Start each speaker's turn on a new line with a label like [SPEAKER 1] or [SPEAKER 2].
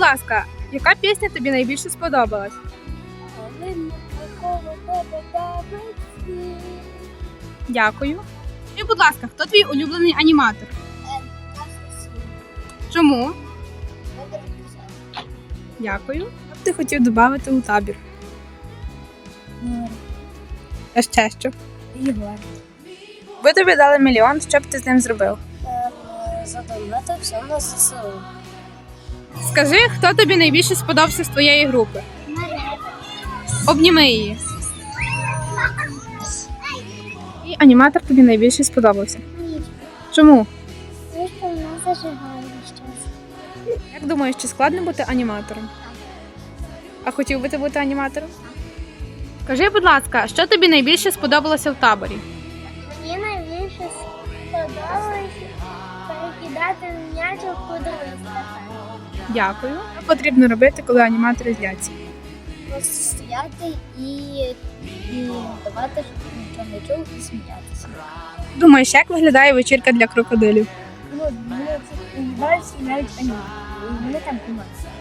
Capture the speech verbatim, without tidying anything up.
[SPEAKER 1] ласка, яка пісня тобі найбільше сподобалась? Дякую. І, будь ласка, хто твій улюблений аніматор? Чому? Дякую. Що б ти хотів додати у табір? А ще що?
[SPEAKER 2] Ігор.
[SPEAKER 1] Ви тобі дали мільйон, що б ти з ним зробив?
[SPEAKER 2] Задонати все на ЗСУ.
[SPEAKER 1] Скажи, хто тобі найбільше сподобався з твоєї групи? Обніми її. І аніматор тобі найбільше сподобався. Чому?
[SPEAKER 2] Тому що вона зажигає щось.
[SPEAKER 1] Як думаєш, чи складно бути аніматором? А хотів би ти бути аніматором? Скажи, будь ласка, що тобі найбільше сподобалося в таборі?
[SPEAKER 2] Мені найбільше сподобалось перекидати м'яч у кудись.
[SPEAKER 1] Дякую. Що потрібно робити, коли аніматори зляться?
[SPEAKER 2] Просто стояти і, і давати, щоб нічого не чув, і сміятися.
[SPEAKER 1] Думаєш, як виглядає вечірка для крокодилів?
[SPEAKER 2] Ну, ну це виглядає навіть аніматори. Вони там кумаються.